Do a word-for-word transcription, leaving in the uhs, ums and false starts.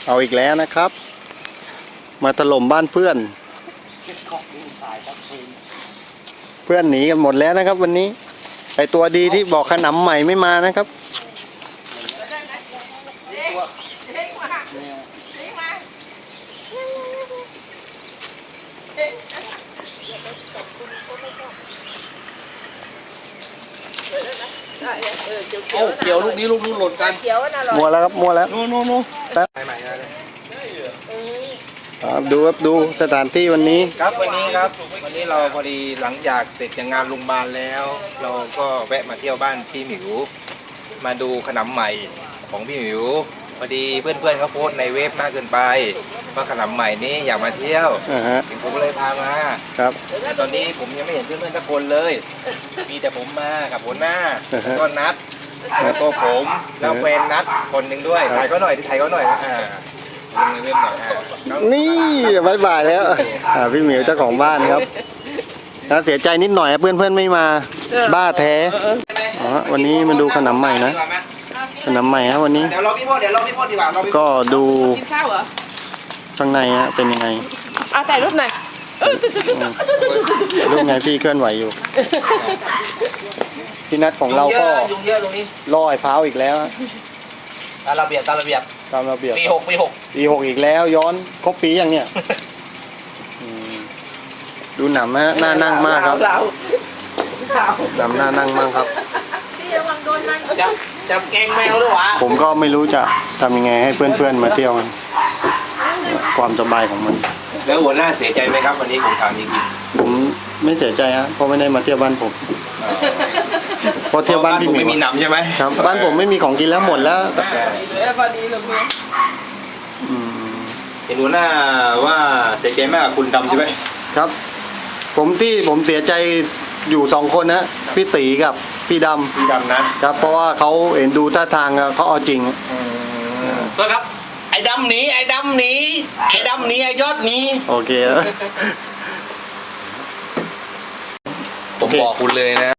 เอาอีกแล้วนะครับ มาถล่มบ้านเพื่อนเพื่อนหนีกันหมดแล้วนะครับวันนี้ไอตัวดีที่บอกขนำใหม่ไม่มานะครับเอาเกี่ยวลูกนี้ลูกนู้นหล่นกันมัวแล้วครับมัวแล้วโน่โน่โน่ใหม่ๆเลยครับดูครับดูสถานที่วันนี้ครับวันนี้ครับวันนี้เราพอดีหลังจากเสร็จจากงานโรงพยาบาลแล้ว เราก็แวะมาเที่ยวบ้านพี่หมิวมาดูขนมใหม่ของพี่หมิวพอดีเพื่อนๆเขาโพสต์ในเว็บมากเกินไปว่าขนมใหม่นี้อยากมาเที่ยวอ่าฮะผมก็เลยพามาครับแต่ตอนนี้ผมยังไม่เห็นเพื่อนๆสักคนเลย มีแต่ผมมากับหัวหน้าแล้วก็นัดแล้วตัวผมแล้วแฟนนัดคนหนึ่งด้วยถ่ายเขาหน่อยที่ถ่ายเขาหน่อยอ่าลงในเว็บหน่อยอ่าน้องนี่บายบายแล้วอ่าพี่หมิวเจ้าของบ้านครับนะเสียใจนิดหน่อยเพื่อนเพื่อนๆไม่มาบ้าแท้อ๋อวันนี้มาดูขนมใหม่นะขนมใหม่ครับวันนี้เดี๋ยวรอพี่พ่อเดี๋ยวรอพี่พ่อดีกว่ารอพี่พ่อก็ดูกินข้าวเหรอข้างในฮะเป็นยังไงเอาถ่ายรูปหน่อยเออจุดจุดจุดจุดจุดจุดรูปไงพี่เคลื่อนไหวอยู่พี่นัดของเราก็ยุงเยอะตรงนี้ล่อไอ้พร้าวอีกแล้วฮะตามระเบียบตามระเบียบตามระเบียบปีหกปีหกปีหกอีกแล้วย้อนครบปีอย่างเนี้ยอืมดูหนำฮะน่านั่งมากครับเราเราหนำน่านั่งมากครับจับจับแกงแมวด้วยวะผมก็ไม่รู้จะทำยังไงให้เพื่อนๆมาเที่ยวกันความสบายของมันแล้วหัวหน้าเสียใจไหมครับวันนี้ผมถามจริงผมไม่เสียใจฮะเพราะไม่ได้มาเที่ยวบ้านผมๆเพราะเที่ยวบ้านพี่หมิวไม่มีหนำใช่ไหมครับบ้านผมไม่มีของกินแล้วหมดแล้วใช่เออพอดีเลยเพื่อนอืมเห็นหัวหน้าว่าเสียใจมากกับคุณดำใช่ไหมครับ ผมที่ผมเสียใจอยู่สองคนนะพี่ตีกับพี่ดคุณดำนะครับเพราะว่าเขาเห็นดูท่าทางเขาเอาจริงก็ครับไอ้ดำหนีไอ้ดำหนีไอ้ดำหนีไอ้ยอดหนีโอเคแล้วผมบอกคุณเลยนะ